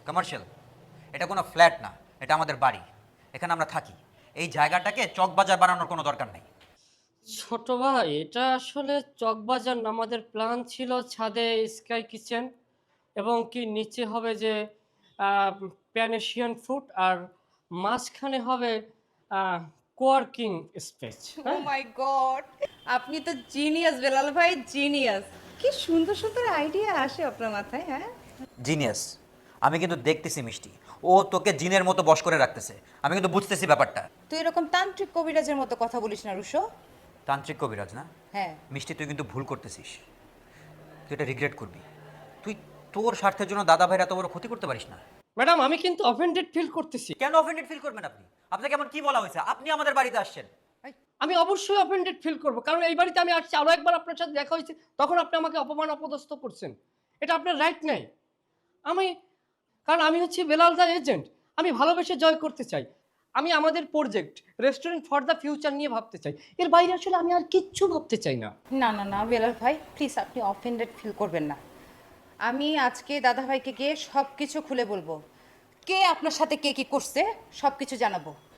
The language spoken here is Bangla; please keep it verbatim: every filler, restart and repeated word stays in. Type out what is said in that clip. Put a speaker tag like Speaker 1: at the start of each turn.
Speaker 1: কমার্শিয়াল। এটা কোনো ফ্ল্যাট না, এটা আমাদের বাড়ি, এখানে আমরা থাকি। এই জায়গাটাকে চকবাজার বানানোর কোনো দরকার নেই।
Speaker 2: ছোট ভাই, এটা আসলে চকবাজার না, আমাদের প্ল্যান ছিল ছাদে স্কাই কিচেন এবং কি নিচে হবে যে প্যানেশিয়ান ফুড, আর মাঝখানে হবে কোয়ার্কিং স্পেস।
Speaker 3: ও
Speaker 2: হ্যাঁ,
Speaker 3: মাই গড, আপনি তো জিনিয়াস বেলাল ভাই, জিনিয়াস। কি সুন্দর সুন্দর আইডিয়া আসে আপনার মাথায়। হ্যাঁ,
Speaker 1: জিনিয়াস। আমি কিন্তু দেখতেছি মিষ্টি, ও তোকে জিনের মতো বশ করে রাখতেছে। আমি কিন্তু বুঝতেছি ব্যাপারটা।
Speaker 3: তুই এরকম তান্ত্রিক কবিরাজের মতো কথা বলিস না রুশো।
Speaker 1: তান্ত্রিক কবিরাজ না?
Speaker 3: হ্যাঁ,
Speaker 1: মিষ্টি, তুই কিন্তু ভুল করতেছিস। তুই এটা রিগ্রেট করবি। তুই তোর স্বার্থের জন্য দাদা ভাইয়ের এত বড় ক্ষতি করতে পারিস না।
Speaker 2: ম্যাডাম, আমি কিন্তু অফেন্ডেড ফিল করতেছি।
Speaker 1: কেন অফেন্ডেড ফিল করবেন আপনি? আপনাকে এমন কি বলা হয়েছে? আপনি আমাদের বাড়িতে আসছেন।
Speaker 2: আমি অবশ্যই অফেন্ডেড ফিল করব, কারণ এই বাড়িতে আমি আসছি, আরও একবার আপনার সাথে দেখা হয়েছে, তখন আপনি আমাকে অপমান অপদস্থ করছেন। এটা আপনার রাইট নেই। আমি, কারণ আমি হচ্ছি বেলাল দা এজেন্ট। আমি ভালোবেসে জয় করতে চাই। আমি আমাদের project restaurant for the future নিয়ে ভাবতে চাই। এর বাইরে আসলে আমি আর কিচ্ছু ভাবতে চাই না।
Speaker 3: না না না বেলাল ভাই, প্লিজ আপনি অফেন্ডেড ফিল করবেন না। আমি আজকে দাদা ভাইকে গিয়ে সব কিছু খুলে বলবো। কে আপনার সাথে কে কি করছে সব কিছু জানাবো।